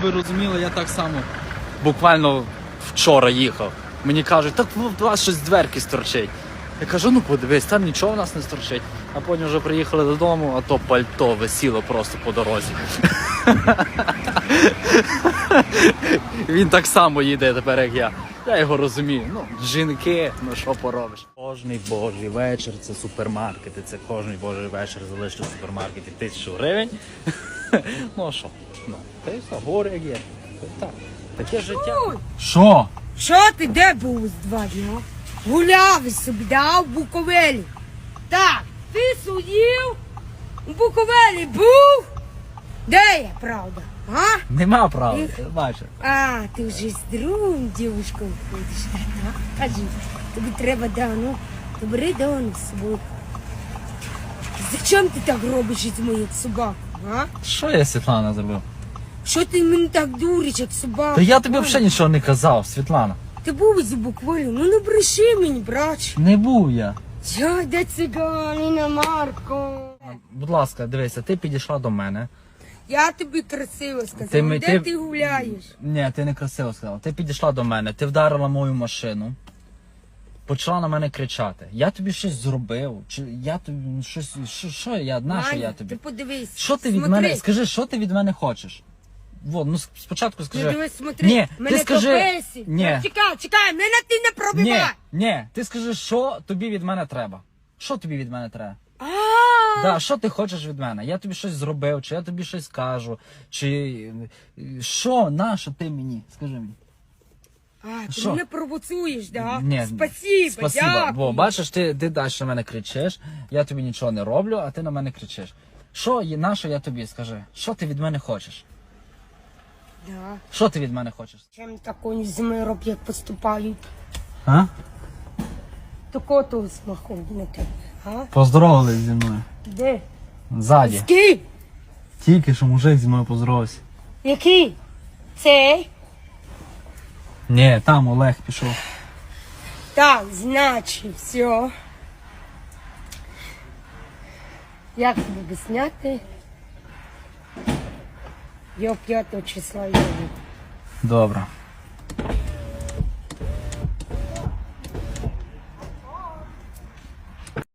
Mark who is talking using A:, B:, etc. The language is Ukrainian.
A: ви розуміли, я так само буквально вчора їхав. Мені кажуть, так у вас щось з дверки сторчить. Я кажу, ну подивись, там нічого в нас не сторчить. А потім вже приїхали додому, а то пальто висіло просто по дорозі. Він так само їде тепер, як я. Я його розумію. Ну, жінки, ну що поробиш. Кожний божий вечір це супермаркети. Це кожний божий вечір залишиш в супермаркеті 1000 гривень. Ну а що? Ну, та й все, горе як є. Так, таке життя. Що?
B: Що ти де був з 2 дні? Гуляв собі, да, в Буковелі. Так, ти судів, у Буковелі був? Де я, правда? А?
A: Нема права, ти бачиш.
B: А, ти вже з другим дівчинкою ходиш. А? Кажи, тобі треба давно. То бери давно з собою. Зачем ти так робиш із моїх собак? А?
A: Що я, Світлана, зробив?
B: Що ти мене так дуриш, як собака?
A: Та я тобі взагалі нічого не казав, Світлана.
B: Ти був із Буковелі, ну не бреши мені, брач.
A: Не був я.
B: Я де циганіна, Марко.
A: Будь ласка, дивися, ти підійшла до мене.
B: Я тобі красиво сказала, де ти гуляєш?
A: Ні, ти не красиво сказала. Ти підійшла до мене, ти вдарила мою машину, почала на мене кричати. Я тобі щось зробив, чи я тобі щось, що я, нащо я тобі?
B: Ти подивись,
A: Що ти від
B: смотри.
A: мене, скажи, що ти від мене хочеш? Вот, ну спочатку скажи.
B: Ну дивись, смотри,
A: Ні,
B: мене
A: ти скажи,
B: дописить.
A: ні,
B: Чекай, мене ти не пробивай.
A: ні, ти скажи, що тобі від мене треба? Що тобі від мене треба?
B: А,
A: Да, що ти хочеш від мене? Я тобі щось зробив, чи я тобі щось кажу, чи що, на що ти мені? Скажи мені.
B: ти
A: Що?
B: мене провоцюєш, да?
A: Ні,
B: Спасибо, дякую.
A: Бо бачиш, ти далі на мене кричиш, я тобі нічого не роблю, а ти на мене кричиш. Що, на що я тобі, скажи? Що ти від мене хочеш?
B: Да.
A: Що ти від мене хочеш?
B: Чим тако з мною роблять, як поступають?
A: А?
B: Тако то смахом на тебе, а?
A: Поздоровались зі мною.
B: Де?
A: Ззаді.
B: З ким?
A: Тільки що мужик зі мною поздоровався.
B: Який? Цей?
A: Ні, там Олег пішов.
B: Так, значить, все. Як тобі об'ясняти? Я 5 числа їду.
A: Добре.